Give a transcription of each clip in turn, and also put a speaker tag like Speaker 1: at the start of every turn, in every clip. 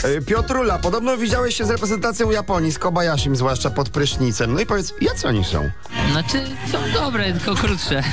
Speaker 1: Piotrula, podobno widziałeś się z reprezentacją Japonii, z Kobayashim, zwłaszcza pod prysznicem. No i powiedz, jacy oni są?
Speaker 2: Znaczy, są dobre, tylko krótsze.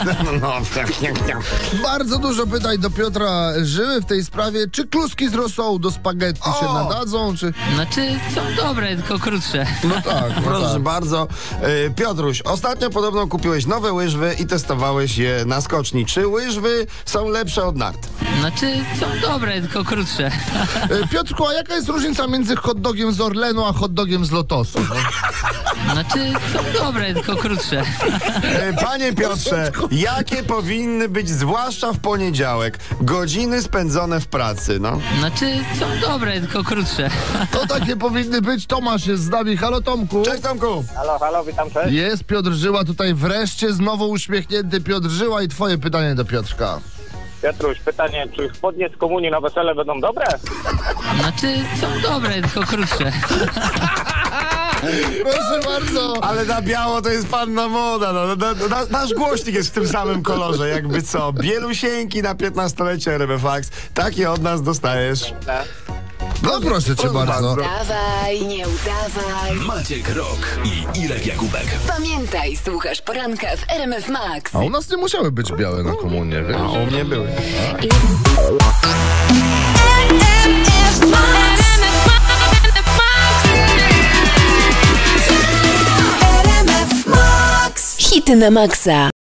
Speaker 3: Bardzo dużo pytań do Piotra Żyły w tej sprawie. Czy kluski z rosołu do spaghetti się nadadzą, czy...
Speaker 2: Znaczy, są dobre, tylko krótsze.
Speaker 3: No tak, no
Speaker 1: Proszę
Speaker 3: tak.
Speaker 1: bardzo. Piotruś, ostatnio podobno kupiłeś nowe łyżwy i testowałeś je na skoczni. Czy łyżwy są lepsze od nart?
Speaker 2: Znaczy, są dobre, tylko krótsze.
Speaker 3: Piotrku, a jaka jest różnica między hot dogiem z Orlenu a hot dogiem z Lotosu? No?
Speaker 2: Znaczy, są dobre, tylko krótsze.
Speaker 1: Panie Piotrze, jakie powinny być, zwłaszcza w poniedziałek, godziny spędzone w pracy, no?
Speaker 2: Znaczy, są dobre, tylko krótsze.
Speaker 3: To takie powinny być. Tomasz jest z nami. Halo, Tomku.
Speaker 1: Cześć, Tomku.
Speaker 4: Halo, witam, cześć.
Speaker 3: Jest Piotr Żyła tutaj wreszcie, znowu uśmiechnięty Piotr Żyła i twoje pytanie do Piotrka.
Speaker 4: Piotruś, pytanie, czy spodnie z komunii na wesele będą dobre?
Speaker 2: Znaczy, są dobre, tylko krótsze.
Speaker 3: Proszę bardzo.
Speaker 1: Ale na biało to jest panna moda, no. Nasz głośnik jest w tym samym kolorze, jakby co. Bielusieńki na 15-lecie RMFax. Takie od nas dostajesz.
Speaker 3: No proszę cię bardzo.
Speaker 5: Dawaj, nie udawaj.
Speaker 6: Maciek Rok i Irek Jakubek.
Speaker 5: Pamiętaj, słuchasz poranka w RMF Max.
Speaker 3: A u nas nie musiały być białe na komunie, wiesz?
Speaker 1: A u mnie były.
Speaker 5: Hity na maksa.